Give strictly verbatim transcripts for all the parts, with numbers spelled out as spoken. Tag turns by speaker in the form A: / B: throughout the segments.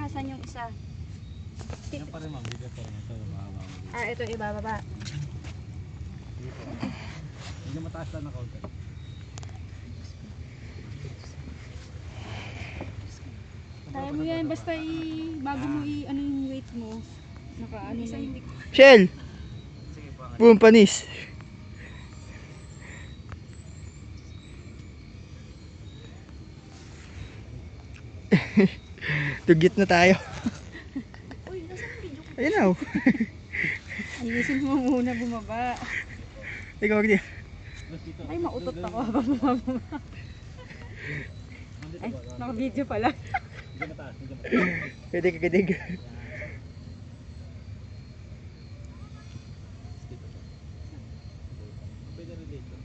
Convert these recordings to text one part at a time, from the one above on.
A: Asan yung isa?
B: Yan pa rin ma'am, dito pa rin. Ito, mahaba.
A: Ah, ito ibababa.
B: Hindi mataas lang na kaunti.
A: Kaya mo yan, basta i, bago mo i, ano yung weight mo. Naka ano na yun.
C: Shell!
B: Sige po.
C: Boom, panis. Tugit na tayo.
A: Uy, nasa video ko?
C: Ayun na oh.
A: Ayusin mo muna bumaba.
C: Ikaw, Agdi.
A: Ay, mautot ako habang bumaba. Ay, naka-video pala.
B: Hindi mataas, hindi mataas.
C: Kidig, kidig.
B: Pwede rin dito.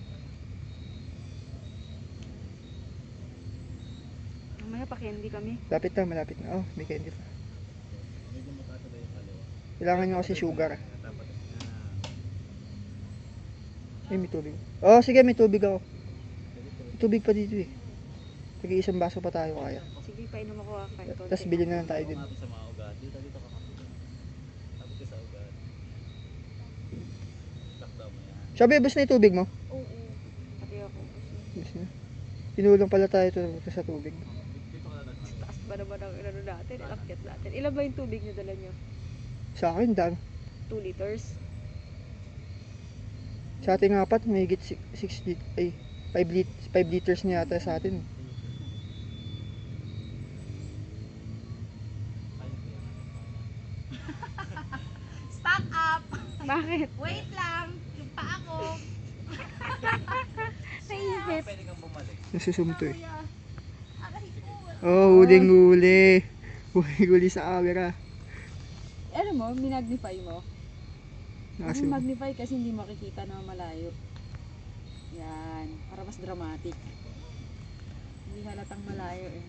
A: Mamaya pa candy kami.
C: Lapit na, malapit na. Oh, may candy pa.
B: Medyo mataas na yung kaliwa.
C: Kailangan nyo kasi sugar.
B: Dapat na.
C: Ay, may tubig. Oh, sige, may tubig ako. May tubig pa dito eh. Sige, isang baso pa tayo kaya.
A: Sige, painom ako ah, kahit konti.
C: Tapos bilhin na lang tayo din.
B: Kapit sa mga ugat. Dito, dito ka kapit. Kapit ka sa ugat. Lockdown mo yan.
C: Sabi, bus na yung tubig mo?
A: Oo, pati ako.
C: Bus na. Tinulong pala tayo ito sa tubig.
B: Dito ka na nagmamay.
A: Taas ba naman ang inano natin, ilakyat natin. Ilan ba yung tubig nyo dala nyo?
C: Sa akin, dami.
A: two liters?
C: Sa ating apat, may higit six lit ay five lit five liters na yata sa atin.
D: Stock up!
A: Bakit?
D: Wait lang! Yung pa ako!
A: Naisip.
B: Pwede kang bumalik.
C: Nasusumto eh.
D: Kuya! Aray ko!
C: Oh, huling-huli. Huling-huli sa camera.
A: Ano mo, minagnify mo? Kasi
C: Nakasum.
A: magnify kasi hindi makikita na malayo. Yan, para mas dramatic. Hindi halatang malayo eh.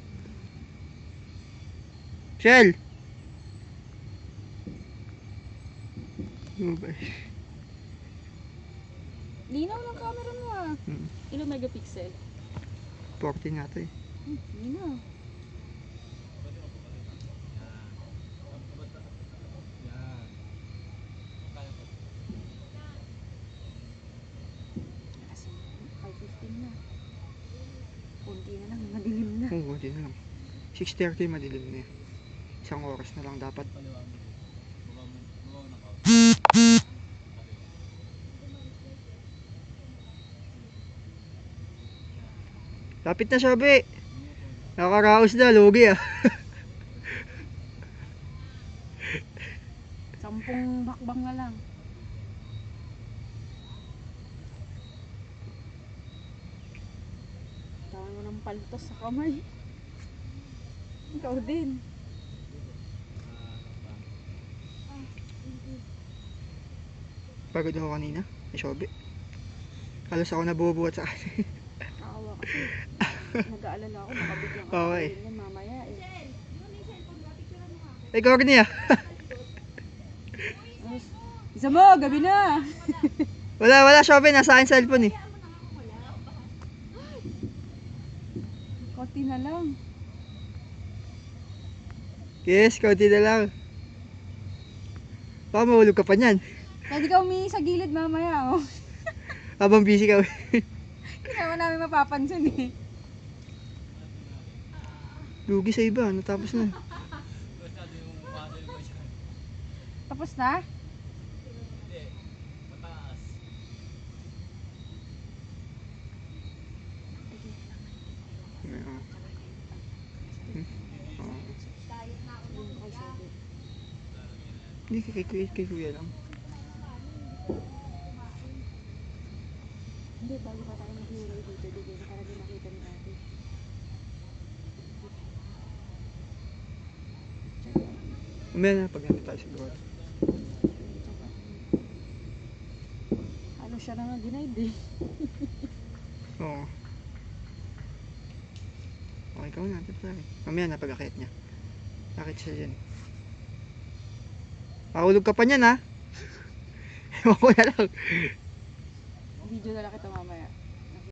C: Shell! Oh, ba?
A: Linaw ng camera mo ah.
C: Hmm.
A: Ilang megapixel?
C: fourteen nga to eh.
A: Hmm, linaw.
B: Yan. Kaya po.
A: Kasi five fifteen na. Kunti na lang, madilim na.
C: Oo, oh, na lang. six thirty madilim na yan. Isang oras na lang dapat.
B: Kaliwa mo. Baba mo. Baba mo ng kaunti.
C: Lapit na, sabi. Nakakaraos na, lugi ah.
A: Sampung bakbang na lang. Tawan mo ng paltos sa kamay. Ikaw din.
C: Pagod ako kanina. Ay, sabi. Halos ako nabubuhat sa akin.
A: Nakawa kasi. Nag-aalala ako, makabiglang ako.
C: Okay.
A: Yan mamaya eh.
C: Ay, ikaw niya.
A: Isa mo, gabi na.
C: Wala, wala, sabi. Nasa akin cellphone eh.
A: Konti na lang.
C: Yes, kaunti na lang. Baka mahulog ka pa niyan.
A: Pwede ka umihi sa gilid mamaya oh.
C: Habang busy ka.
A: Hindi naman namin mapapansin eh.
C: Lugi sa iba. Natapos na.
B: Masyado yung model mo siya.
A: Tapos na?
B: Hindi. Mataas.
C: Hindi, kay, kay, kay kuya lang.
A: Hindi, bago pa tayo mag-iulay dito. Dito na para di makita ni ate.
C: Umaya na pag nandito tayo siguro.
A: Ano siya na nga denied eh.
C: Oo. Okay, ikaw na. Pare. Mamaya na pag-akit niya. Akit siya dyan. Pakahulog ka pa niyan ha. Ewan ko na lang.
A: Video na lang kita mamaya.